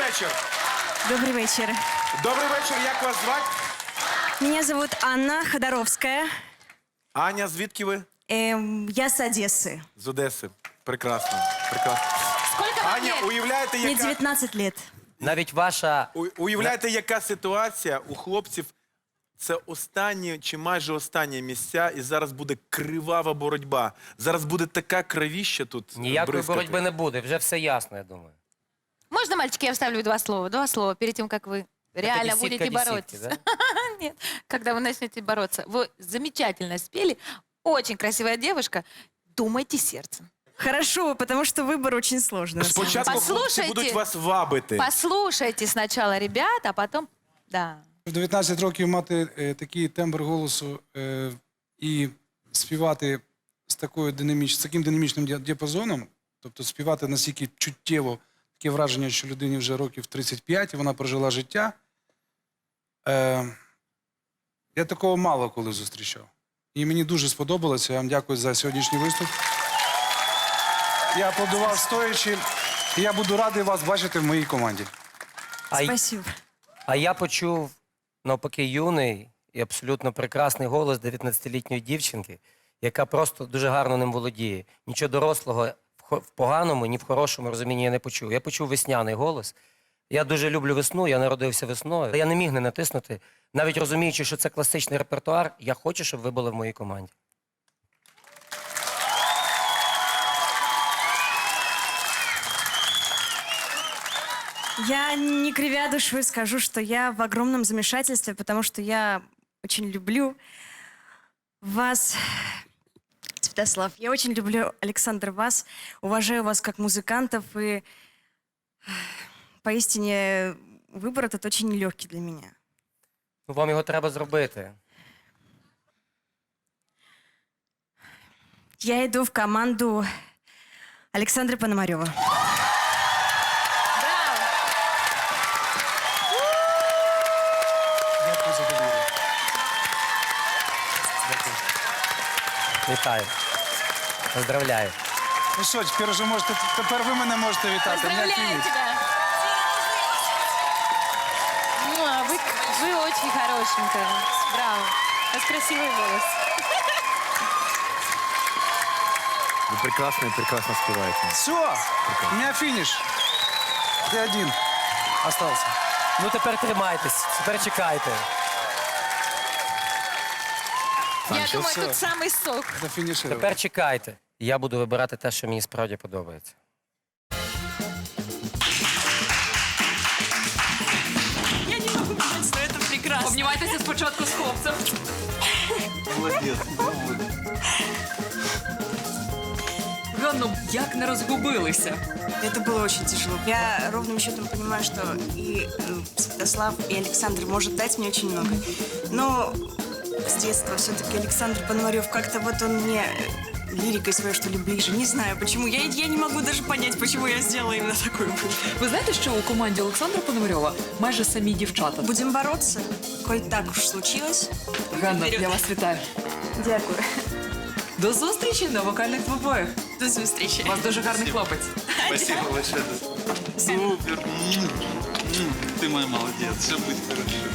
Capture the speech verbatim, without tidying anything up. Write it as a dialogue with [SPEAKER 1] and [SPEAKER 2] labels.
[SPEAKER 1] вечір.
[SPEAKER 2] Добрый вечер.
[SPEAKER 1] Добрий вечір, як вас звати?
[SPEAKER 2] Меня зовут Анна Ходоровская.
[SPEAKER 1] Аня, звідки ви?
[SPEAKER 2] Эм, я с Одессы.
[SPEAKER 1] З Одеси. Прекрасно. Прекрасно.
[SPEAKER 3] Сколько вам
[SPEAKER 1] Аня,
[SPEAKER 3] лет?
[SPEAKER 1] уявляєте,
[SPEAKER 2] Мне
[SPEAKER 1] яка...
[SPEAKER 2] девятнадцать лет.
[SPEAKER 4] Навіть ваша...
[SPEAKER 1] У- Уявляєте, яка ситуація у хлопців? Це останні чи майже останні місця, і зараз буде кривава боротьба. Зараз буде така кровіща тут
[SPEAKER 4] Ніякої
[SPEAKER 1] бризкати.
[SPEAKER 4] боротьби не буде, вже все ясно, я думаю.
[SPEAKER 3] Можно, мальчики, я вставлю два слова? Два слова перед тем, как вы реально
[SPEAKER 4] десятка
[SPEAKER 3] будете
[SPEAKER 4] десятки,
[SPEAKER 3] бороться.
[SPEAKER 4] да?
[SPEAKER 3] Нет, когда вы начнете бороться. Вы замечательно спели. Очень красивая девушка. Думайте сердцем.
[SPEAKER 2] Хорошо, потому что выбор очень сложный. на самом деле.
[SPEAKER 1] Спочатку хлопці
[SPEAKER 3] Послухайте.
[SPEAKER 1] будуть вас вабити.
[SPEAKER 3] Послушайте сначала ребят, а потом... Да.
[SPEAKER 5] В дев'ятнадцять років мати е, такий тембр голосу е, і співати з, такою динаміч, з таким динамічним діа- діапазоном, тобто співати настільки чуттєво, таке враження, що людині вже років тридцять п'ять, і вона прожила життя. Е, я такого мало коли зустрічав. І мені дуже сподобалося. Я вам дякую за сьогоднішній виступ. Я аплодував стоячи, і я буду радий вас бачити в моїй команді.
[SPEAKER 4] А, й-
[SPEAKER 2] Спасибо.
[SPEAKER 4] а я почув, навпаки, юний і абсолютно прекрасний голос дев'ятнадцятилітньої дівчинки, яка просто дуже гарно ним володіє. Нічого дорослого в хо- в поганому, ні в хорошому розумінні я не почув. Я почув весняний голос. Я дуже люблю весну, я народився весною. Я не міг не натиснути, навіть розуміючи, що це класичний репертуар, я хочу, щоб ви були в моїй команді.
[SPEAKER 2] Я, не кривя душой, скажу, что я в огромном замешательстве, потому что я очень люблю вас, Святослав. Я очень люблю, Александр, вас. Уважаю вас как музыкантов. И поистине выбор этот очень нелегкий для меня.
[SPEAKER 4] Ну, вам його треба зробити.
[SPEAKER 2] Я иду в команду Александра Пономарева.
[SPEAKER 3] Браво!
[SPEAKER 5] Дякую за довіру.
[SPEAKER 4] Вітаю. Поздравляю.
[SPEAKER 5] Ну що, тепер вже можете, тепер ви мене можете вітати.
[SPEAKER 3] Поздравляю
[SPEAKER 5] Мене
[SPEAKER 3] тебя! Муа, Вы, вы очень хорошенькая. Браво. У вас красивый голос.
[SPEAKER 1] Ви прекрасно і прекрасно співаєте.
[SPEAKER 5] Все, у меня финиш. Ты один остался.
[SPEAKER 4] Ну тепер тримайтесь, тепер чекайте.
[SPEAKER 3] Я
[SPEAKER 1] что
[SPEAKER 3] думаю,
[SPEAKER 5] всё.
[SPEAKER 3] тут самый сок.
[SPEAKER 5] Зафинишировал.
[SPEAKER 4] Тепер чекайте. Я буду вибирати те, що мені справді подобається.
[SPEAKER 2] Я не могу понять, что это прекрасно.
[SPEAKER 6] Обнімайтеся спочатку з хлопцем. Ганно, як не розгубилися?
[SPEAKER 2] Это было очень тяжело. Я ровным счетом понимаю, что и э, Святослав, и Александр может дать мне очень много. Но с детства все-таки Александр Пономарев как-то вот он мне э, лирикой своей, что ли, ближе. Не знаю, почему. Я, я не могу даже понять, почему я сделала именно такой выбор.
[SPEAKER 6] Ви знаєте, що у команді Олександра Пономарьова майже самі дівчата?
[SPEAKER 2] Будем бороться, коль так уж случилось.
[SPEAKER 6] Ганна, я вас вітаю.
[SPEAKER 2] Дякую.
[SPEAKER 6] До зустрічі на вокальних двобоях.
[SPEAKER 2] До зустрічі.
[SPEAKER 6] У вас дуже гарний хлопець.
[SPEAKER 7] Спасибо большое. Супер. М, м, Ты мой молодец. Все будет хорошо.